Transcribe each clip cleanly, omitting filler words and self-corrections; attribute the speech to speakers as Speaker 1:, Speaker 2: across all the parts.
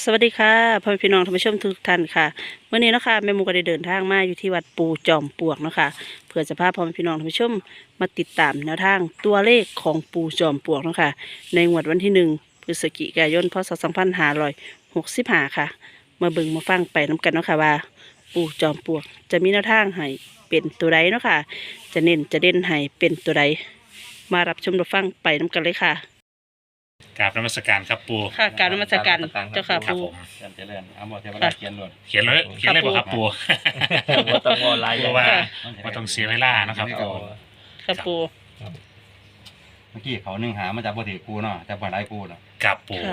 Speaker 1: วัสดีค่ะพ่อแม่พี่น้องท่านผู้ชมทุกท่านค่ะเมื่อนี้เนาะค่ะแม่หมูก็ได้เดินทางมาอยู่ที่วัดปูจอมปลวกเนาะค่ะเพื่อจะพาพ่อแม่พี่น้องท่านผู้ชมมาติดตามแนวทางตัวเลขของปูจอมปลวกเนาะค่ะในงวดวันที่1 พฤศจิกายนพศ2565ค่ะมาเบิ่งมาฟังไปน้กันเนาะค่ะว่าปูจอมปลวกจะมีแนวทางให้เป็นตัวใดเนาะค่ะจะเน้นจะเด่นให้เป็นตัวใดมารับชมรับฟังไปน้กันเลยค่ะ
Speaker 2: กราบนมัสการครับปู
Speaker 1: ค่ะกรารนมัสการเจ้าค่ะ
Speaker 2: ครับ
Speaker 1: ปู
Speaker 2: ผม
Speaker 3: เจริญเอาหมดเทวดาเขียนหมด
Speaker 2: เขียนเลยบ่ครับปู
Speaker 3: ว่าต้องงอลาย
Speaker 2: ปูว่าว่าต้องเสียเวลานะครับปู
Speaker 1: ค่ะปู
Speaker 3: เมื่อกี้เขาหนึ่งหามาจากบ่ถือกูเนาะจากบ่ได้กูเนาะ
Speaker 2: กับปู
Speaker 1: ค่ะ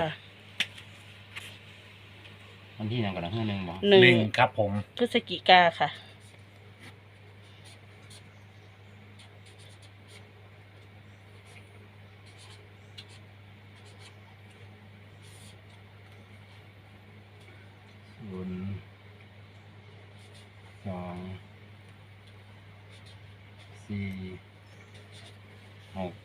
Speaker 3: มันที่ยังก่อนนะหนึ่งบ่
Speaker 1: หนึ่
Speaker 2: หนึ่
Speaker 1: ง
Speaker 2: งครับผม
Speaker 1: พฤศจิกาค่ะ
Speaker 3: ศูนย์สองสี่หก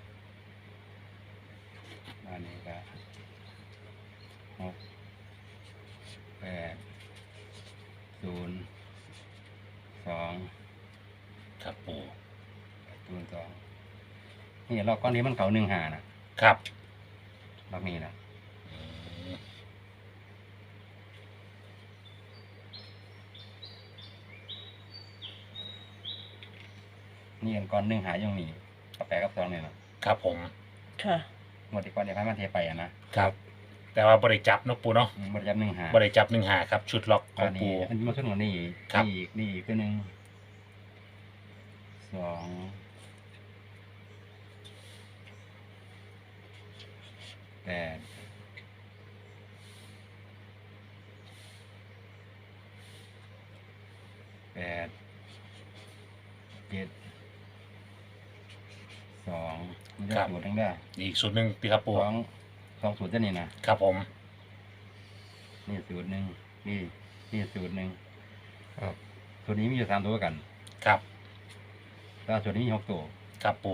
Speaker 3: อันนี้ก็หกแปดศูนย์สอง
Speaker 2: ครับปู
Speaker 3: ศูนย์สองนี่รอบก้อนนี้มันเขาหนึ่งหานะครับ รอบนี้นะ
Speaker 2: อืม
Speaker 3: นี่อันก้อนหนึ่งหาอย่างนี้กับแปดกับสองเนี่ยนะครับ
Speaker 2: ผม
Speaker 1: ค่ะ
Speaker 3: หมดที่ก้อนเดียวพันมันเทไปอะนะครับ
Speaker 2: แต่ว่าบริจับเนาะปูเนาะ
Speaker 3: หมดจับหนึ่งหา
Speaker 2: บริจับ1 หาครับ ชุดล็อกขอ
Speaker 3: อั
Speaker 2: ง
Speaker 3: น
Speaker 2: ปู
Speaker 3: นี้อันนี้มาขึ้นหัวนี่
Speaker 2: ครับ
Speaker 3: นี่อีกตัวหนึ่งสองแปดแปดเจ็ดสองมันจะสูตรทั้งได้
Speaker 2: อีกสูตรหนึ่งพี่ครับปู
Speaker 3: สองสูตรเท่านี้นะครับ
Speaker 2: ผม
Speaker 3: นี่สูตรหนึ่งนี่สูตรหนึ่งสูตรนี้มีอยู่3 ตัวกัน
Speaker 2: ครับ
Speaker 3: แต่สูตรนี้มี6 ตัว
Speaker 2: ครับปู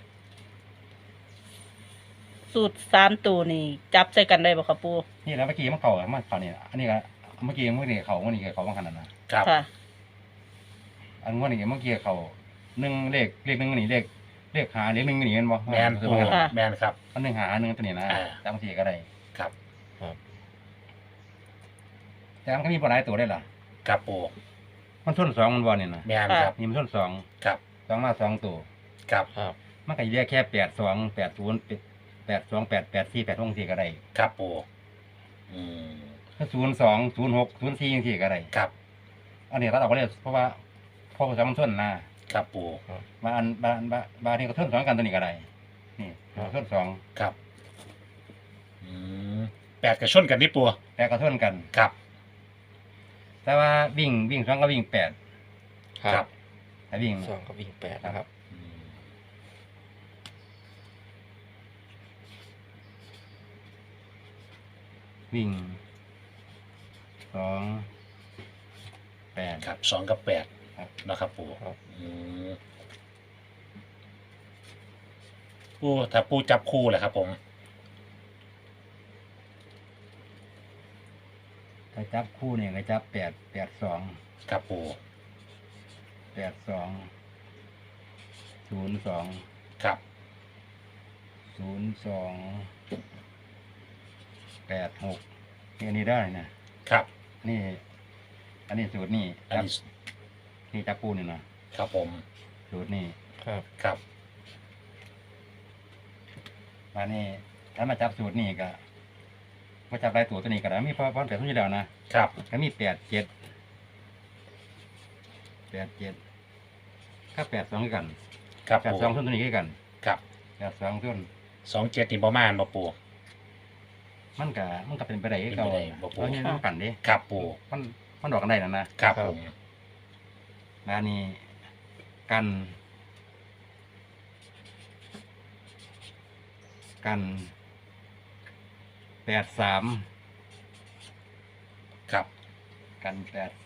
Speaker 1: สูตร3 ตัวนี่ จับใส่กันได้บ่ครับปู
Speaker 3: นี่แล้วเมื่อกี้มันเข่ามันเข่าเนี่ยอันนี้ก็เมื่อกี้เขาเมื่อกี้เขาบางขนาดนะครับ
Speaker 1: ค่ะ
Speaker 3: อันเมื่อกี้เขาหนึ่งเลขหนึ่งนี่เลขหาเลขหนึ่งนี่เห็นบ่
Speaker 2: แมนปู
Speaker 1: ค่ะ
Speaker 2: แมนครับ
Speaker 3: อันหนึ่งหาหนึ่งตัวนี้นะ
Speaker 2: อ่า
Speaker 3: แต่บางทีก็ได้
Speaker 2: ครับ
Speaker 3: แต่มันก็มีปลายตัวได้ล่ะ
Speaker 2: ครับปู
Speaker 3: มันส้นสองมันบ่เนี่ยนะ
Speaker 2: แมนครับ
Speaker 3: นี่มันส้นสอง
Speaker 2: ครับ
Speaker 3: สองมา2 ตัว
Speaker 2: ครับ
Speaker 3: มันก็เรียกแค่82 80 82 884 86ก็ได้
Speaker 2: ครับปูอืม
Speaker 3: ถ้า02 06 04จังซี่ก็ได้
Speaker 2: ครับ
Speaker 3: อันนี้เราเอาไปเลยเพราะว่าพอมันส้นนะครับ
Speaker 2: ปู
Speaker 3: บางทีก็ส้นสองกันตัวนี้ก็ได้นี่ส้นสอง
Speaker 2: ครับอืม8กับชนกันนี่ปู
Speaker 3: แต่ก็ส้นกัน
Speaker 2: ครับ
Speaker 3: แต่ว่าวิ่ง2ก็วิ่ง8
Speaker 2: ครับ
Speaker 3: ถ้าวิ่ง
Speaker 4: สองกับวิ่ง8นะครับ
Speaker 2: อืม
Speaker 3: วิ่ง2 8
Speaker 2: ครับ2กับ8
Speaker 3: ครับ
Speaker 2: นะครับปู
Speaker 4: ครับ
Speaker 2: อืมปูถ้าปูจับคู่แหละครับผม
Speaker 3: ถ้าจับคู่เนี่ยก็จับ8
Speaker 2: ครับปู
Speaker 3: 82 02
Speaker 2: ครับ
Speaker 3: 02 86นี่อันนี้ได้นะครับ นี่ อันนี้สูตรนี่
Speaker 2: อัน
Speaker 3: จับ
Speaker 2: นี้
Speaker 3: นี่จับคู่นี่นะครับ
Speaker 2: ผม
Speaker 3: สูตรนี่
Speaker 4: ครับ
Speaker 2: ครับ
Speaker 3: มานี่ถ้ามาจับสูตรนี่ก็มาจับรายตัวนี้ก็ได้มีพอแต่ทุกอย่างนะครับ ก็มี87ก็82คือกัน
Speaker 2: ครับปู
Speaker 3: 82ต้นตัวนี้คือกัน
Speaker 2: ครับ
Speaker 3: 82ต้น
Speaker 2: 27นี่ประมาณบ่ปู
Speaker 3: มันก็เป็นไปได้คือเก่า
Speaker 2: เป็นไปได้บ่ปู่
Speaker 3: เพราะนี่มันกันเด้
Speaker 2: ครับปู
Speaker 3: มันดอกกันได้นะครับ
Speaker 2: ผม
Speaker 3: มานี่กัน83
Speaker 2: ครับ
Speaker 3: กัน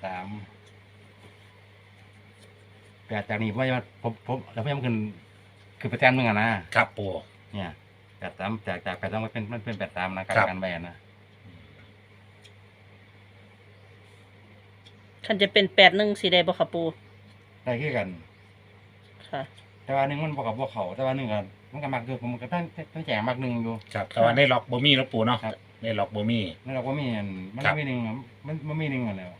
Speaker 3: 8จากนี้ว่าผมแล้วพยายามคือประจันมึงอะนะครับ
Speaker 2: ปู
Speaker 3: เนี่ย83จาก83มันเป็น83นะการ
Speaker 2: ครับ
Speaker 3: กันแบนนะ
Speaker 1: คันจะเป็น81สิได้บ่ค่ะปู
Speaker 3: ได้คือกัน
Speaker 1: ค่ะ
Speaker 3: แต่ว่าหนึ่งมันบอกกับพวกเขาแต่ว่าหนึ่งก็มันก็มักอยู่ผมก็ตั้งแจกมักหนึ่งอยู่
Speaker 2: ครับแต่ว่าในล็อกบ่มีแล้วปูเนาะ
Speaker 3: ครับ
Speaker 2: ในล็อกบ่มี
Speaker 3: นั่นเราก็มีอันมัน
Speaker 2: ครับ
Speaker 3: มีหนึ่งมันมีหนึ่งอันแล้ว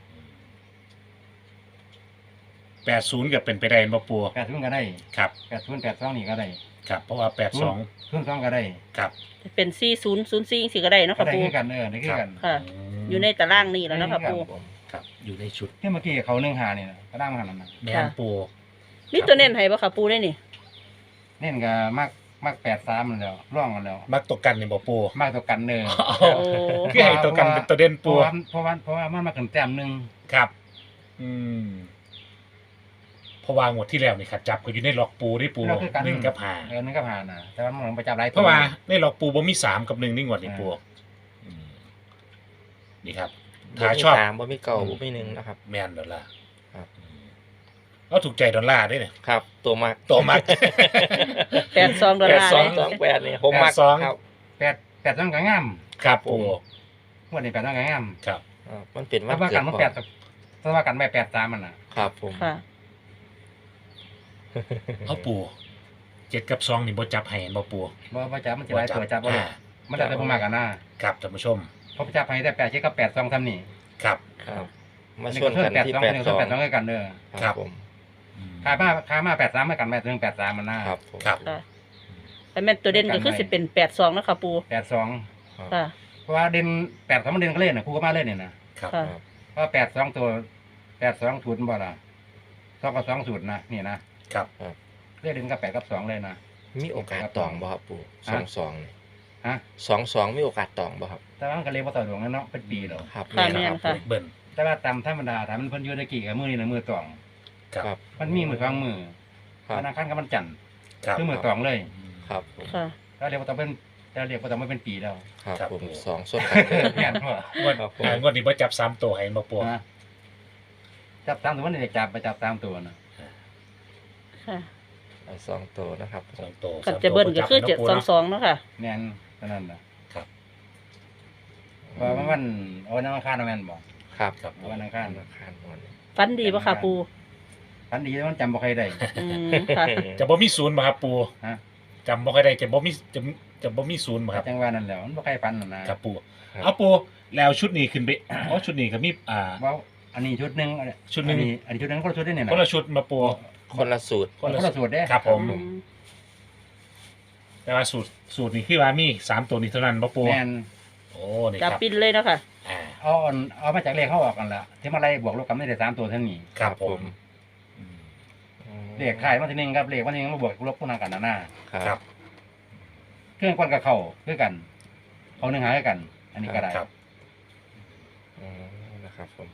Speaker 2: 80ก็เป็นไปได้บ่ปู
Speaker 3: 80ก็ได้
Speaker 2: ครับ
Speaker 3: 80 82นี่ก็ได้
Speaker 2: ครับเพราะว่า82
Speaker 3: 02ก็ได้
Speaker 2: ครับ
Speaker 1: จะเป็น4004สิก็ได้เนาะ
Speaker 3: ก็
Speaker 1: ค่ะ
Speaker 3: ได้
Speaker 1: ปู
Speaker 3: คือกันได้คือกัน
Speaker 1: ค่ะ อยู่ในตารางนี่แล้วเนาะค่ะปู
Speaker 2: ครับอยู่ในชุด
Speaker 3: ที่เมื่อกี้เขา1 5นี่นะก็ได้มาหันนั่นนะ
Speaker 2: แม่น
Speaker 1: ค่ะ
Speaker 2: ปู
Speaker 1: มีตัวเน้นให้บ่ค่ะปูได้นี่
Speaker 3: เน่นก็มัก83มันแล้วร่องกันแล้ว
Speaker 2: มักตกกันนี่บ่ปู
Speaker 3: มักตัวกันเด้อ
Speaker 1: โอ้
Speaker 2: คือให้ตัวกันเป็นตัวเด่น
Speaker 3: เพ
Speaker 2: ปู
Speaker 3: ราะว่ามันมาขึ้นแต้มหนึง
Speaker 2: ครับ อืมเพราะว่างวดที่แล้วนี่ครับจับก็อยู่ในล็อกปูได้ปู
Speaker 3: เราคือกัน
Speaker 2: 1กับห้า
Speaker 3: นึงก็ผ่านนะแต่ว่ามันไปจับหลายตัว
Speaker 2: เพราะว่าในล็อกปูบ่มี3กับ1นี่งวดนี่ปูอืมนี่ครับ
Speaker 4: บ่
Speaker 2: ถ้า
Speaker 4: มี
Speaker 2: ชอบ
Speaker 4: สามบ่มีเก่าบ่มีหนึ่งนะครับ
Speaker 2: แม่นดอลลาร์
Speaker 4: ครับ
Speaker 2: อืมเอาถูกใจดอลลาร์ด้วยเนี่ย
Speaker 4: ครับ ตัวมัก
Speaker 2: ตัวมัก
Speaker 1: 82ดอลลาร์
Speaker 4: สอง
Speaker 1: เลย
Speaker 4: สองแปดนี่ผมมัก
Speaker 2: 82
Speaker 4: ครับ
Speaker 3: 8ต้องก็งาม
Speaker 2: ครับปู
Speaker 3: งวดนี้8ต้องก็งาม
Speaker 2: ครับ
Speaker 4: มันเป็นวั
Speaker 3: ถ้าน ว่า
Speaker 4: เกิ
Speaker 3: กั
Speaker 4: ด
Speaker 3: นมัน
Speaker 4: พ่อ
Speaker 3: 8ถ้าว่ากันไม่83มันน่ะ
Speaker 4: ครับผม
Speaker 1: ค่ะ
Speaker 2: เอาปู7กับ2นี่บ่จับให้เห็นบ่ปู
Speaker 3: บ่จับมันสิหลายตัวจับบ่ได้
Speaker 2: อ่า
Speaker 3: มันได้แต่บ่มากกันนะครับ
Speaker 2: ท่านผู้ชม
Speaker 3: เพราะจับให้แต่8กับ82ซ้ำนี่
Speaker 2: ครับ
Speaker 4: ครับ มาชวนกันที่
Speaker 3: 82
Speaker 4: แปดสอง
Speaker 3: 82คือกันเด้อ
Speaker 2: ครับ
Speaker 4: ผม
Speaker 2: อืม
Speaker 3: ค่ามา83มากันแม่ถึง83มันนะครับ
Speaker 4: ผม
Speaker 2: ครับ
Speaker 1: ค่ะแต่แม่นตัวเด่นก็คือสิเป็น82เนาะค่ะปู
Speaker 3: 82
Speaker 1: ค่ะ
Speaker 3: เพราะว่าเด่น82มันเด่นก็เล่นน่ะครูก็มาเล่นนี่นะครับ
Speaker 1: ค่ะ
Speaker 3: เพราะว่า82ตัว82สูตรบ่ล่ะ2กับ2สูตรนะนี่นะครับ เล่นเด่นกับ8กับ2เลยนะ
Speaker 4: มีโอกาสตองบ่ครับปู่ส
Speaker 3: ฮะ
Speaker 4: องสองนี่
Speaker 3: ฮะ
Speaker 4: 22มีโอกาสตองบ่ครับ
Speaker 3: แต่ว่ามันก็เรียกว่าต่อดวงนั่นเนาะเป็นปีแล้ว
Speaker 4: ครับ
Speaker 1: ค่ะ
Speaker 4: แม่น
Speaker 1: แม่น
Speaker 4: ครับ
Speaker 1: ค่ะ
Speaker 2: เบิ่น
Speaker 3: แต่ว่าตามธรรมดาถ้ามันเพิ่นอยู่ในกี่กับมือนี่นะมือตอง
Speaker 2: ครับ
Speaker 4: ครับ
Speaker 3: มันมีมือสองมือ
Speaker 4: ครับ
Speaker 3: ธนาคารกับมันจันทร์
Speaker 2: ครับ
Speaker 3: คือมือตองเลย
Speaker 4: ครับผม
Speaker 1: ค่ะ
Speaker 3: แล้วเรียกว่าต้องเป็นแล้วเรียกว่าต้องไม่เป็นปีแล้ว
Speaker 4: ครับ
Speaker 2: ครับ
Speaker 4: ผม
Speaker 2: ผม
Speaker 4: สองส่วนกันเลย
Speaker 3: แม่นบ่
Speaker 2: งวด
Speaker 4: ครับผม
Speaker 2: งวดนี้บ่จับ3ตัวให้บ่ปู
Speaker 3: นะจับตามตัวมันนี่จับไปจับตามตัวนะ
Speaker 1: ค่ะ
Speaker 4: เอาสองตัวนะครับ
Speaker 2: 2ตัว
Speaker 1: กันจะเบิ้ลก็คือ
Speaker 2: 3ตัวบ่จับให้เนาะปูเนาะ
Speaker 1: 722เนาะค่ะ
Speaker 3: แม่นเท่านั้นนะครับ เพราะว่ามันเอาวันอังคารเอาแม่นบ่
Speaker 4: ครับ
Speaker 2: ครับ
Speaker 3: เอาวันอังคาร
Speaker 4: ธนาคารวันนี้
Speaker 1: ฟันดีบ่ค่ะปู
Speaker 3: พันดีมันจำบ่ใครได้
Speaker 1: อืมค่ะ
Speaker 2: จะบ่มีศูนย์บ่ครับปู
Speaker 3: ฮะ
Speaker 2: จำบ่ค่อยได้จะบ่มีจะบ่มีศูนย์บ่ครับ
Speaker 3: จังว่านั่นแหล้วมันบ่ใครฟันนั่นนะครับ
Speaker 2: ปู
Speaker 4: ครับ
Speaker 2: เอาปูแล้วชุดนี้ขึ้นไปอ๋อชุดนี้ก็มี
Speaker 3: ว่าอันนี้ชุดหนึง
Speaker 2: ชุดหนึ่ง
Speaker 3: อันนี้ชุดหนึงก็ชุดได้เนี่ยนะ
Speaker 2: คนละชุดมาปู
Speaker 4: คนละสูตร
Speaker 3: คนละสูตรเด้
Speaker 2: ครับผม
Speaker 1: อืม
Speaker 2: แต่ว่าสูตรนี้คือว่ามี3ตัวนี้เท่านั้นบ่ปู
Speaker 3: แม่น
Speaker 2: โอ้นี่
Speaker 1: จับ
Speaker 2: ครับ
Speaker 1: ปินเลยเนาะค่ะ
Speaker 2: อ่า
Speaker 3: เอามาจากเลขเขาออกกันละที่มาไล่บวกลบกันไม่ได้3ตัวเท่านี้
Speaker 2: ครับผมอืม
Speaker 3: เลขขายวันที่หนึ่งครับเลขวันที่หนึ่งมาบวกลบพวกนั้นกันนะ
Speaker 2: ครับ
Speaker 3: เครื่องก้อนกับเขาคือกัน เขาหนึ่งหาคือกัน อันนี้ก็ได้
Speaker 2: ครับ
Speaker 4: อืมนะครับผม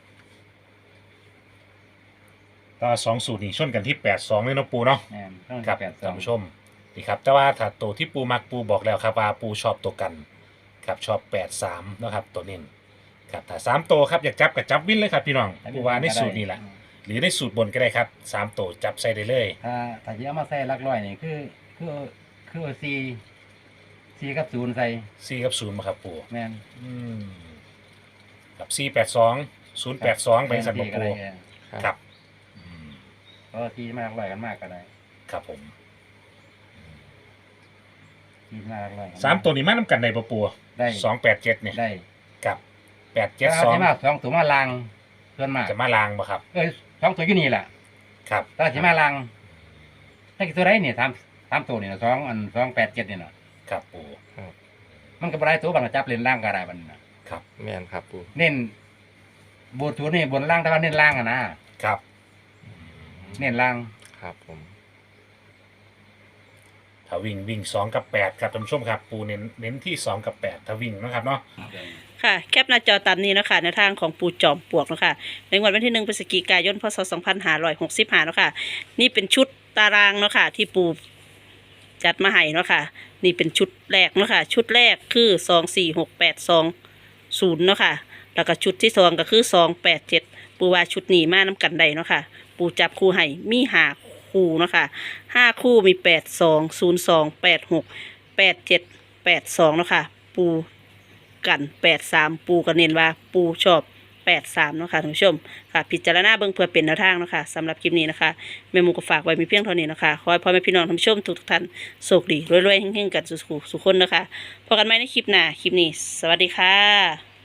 Speaker 2: ก็2สูตรนี้ชนกันที่82เลยเนาะปูเนาะ
Speaker 3: แม่นต้อง
Speaker 2: ครับ
Speaker 3: 8
Speaker 2: ท่านผู้ชมนี่ครับแต่ว่าถ้าตัวที่ปูมักปูบอกแล้วครับว่าปูชอบตัวกันครับชอบ83นะครับตัวนี้ครับถ้า3ตัวครับอยากจับกับจับวินเลยครับพี่น้องปูว่าในสูตรนี้แหละหรือในสูตรบนก็ได้ครับ3ตัวจับใส่ได้เลย
Speaker 3: ถ้าจะเอามาใส่หลักร้อยนี่คือ4กับ0ใส่
Speaker 2: 4กับ0มาครับปู
Speaker 3: แม่น
Speaker 2: อืมกับ482 082ไปสั่นบ่
Speaker 3: ก็
Speaker 2: ปู
Speaker 3: ได้
Speaker 2: ครับอืม
Speaker 3: เพราะที่มาหลักร้อยกันมากก็ได้
Speaker 2: ครับผม
Speaker 3: ที่มาหลักร้อยกัน
Speaker 2: 3ตัวนี้มานํกันได้บ่ปู
Speaker 3: ได้
Speaker 2: 287เนี่ย
Speaker 3: ได้
Speaker 2: กับ
Speaker 3: แต่ว่าที่มา
Speaker 2: 872
Speaker 3: 2ตัวมาลางส่วนมาก
Speaker 2: จะมาลางบ่ครับ
Speaker 3: 2ตัวอยู่นี่แหละ
Speaker 2: ครับ
Speaker 3: ถ้าสิมาลางถ้ากี่ตัวได้เนี่ย3ตัวนี่นะ287นี่น่ะ
Speaker 2: ครับปู
Speaker 3: มันก็บ่ได้ตัวบางจับเล่นล่างก็ได้บัดนน่ะ
Speaker 2: ครับ
Speaker 4: แม่นครับปู่
Speaker 3: เน้นบนสูตรนี่บนล่างแต่ว่าเน้นล่างอะนะครับ เน้นล่าง
Speaker 4: ครับผม
Speaker 2: ถ้าวิ่ง2กับ8ครับท่านผู้ชมครับปูเน้นที่2กับ8ถ้าวิ่งนะครับเนาะ
Speaker 1: ค่ะแคปหน้าจอตามนี้เนาะคะในทางของปูจอมปลวกเนาะคะในวันที่1พฤศจิกายนพศ2565เนาะค่ะนี่เป็นชุดตารางเนาะค่ะที่ปูจัดมาให้เนาะค่ะนี่เป็นชุดแรกเนาะค่ะชุดแรกคือ246820เนาะค่ะแล้วก็ชุดที่2ก็คือ287ปูว่าชุดนี้มาน้กันได้เนาะค่ะปูจับคู่ให้มี5คู่เนาะค่ะ5คู่มี8202868782เนาะค่ะปูกัน83ปูก็เน้นว่าปูชอบ 83เนาะค่ะท่านผู้ชมค่ะพิจารณาเบิ่งเพื่อเป็นแนวทางเนาะค่ะสำหรับคลิปนี้นะคะแม่หมูก็ฝากไว้มีเพียงเท่านี้นะคะขอให้พ่อแม่พี่น้องท่านผู้ชมทุกท่านโชคดีรวยๆเฮงๆกันสุขๆสุขคนนะคะพบกันใหม่ในคลิปหน้าคลิปนี้สวัสดีค่ะ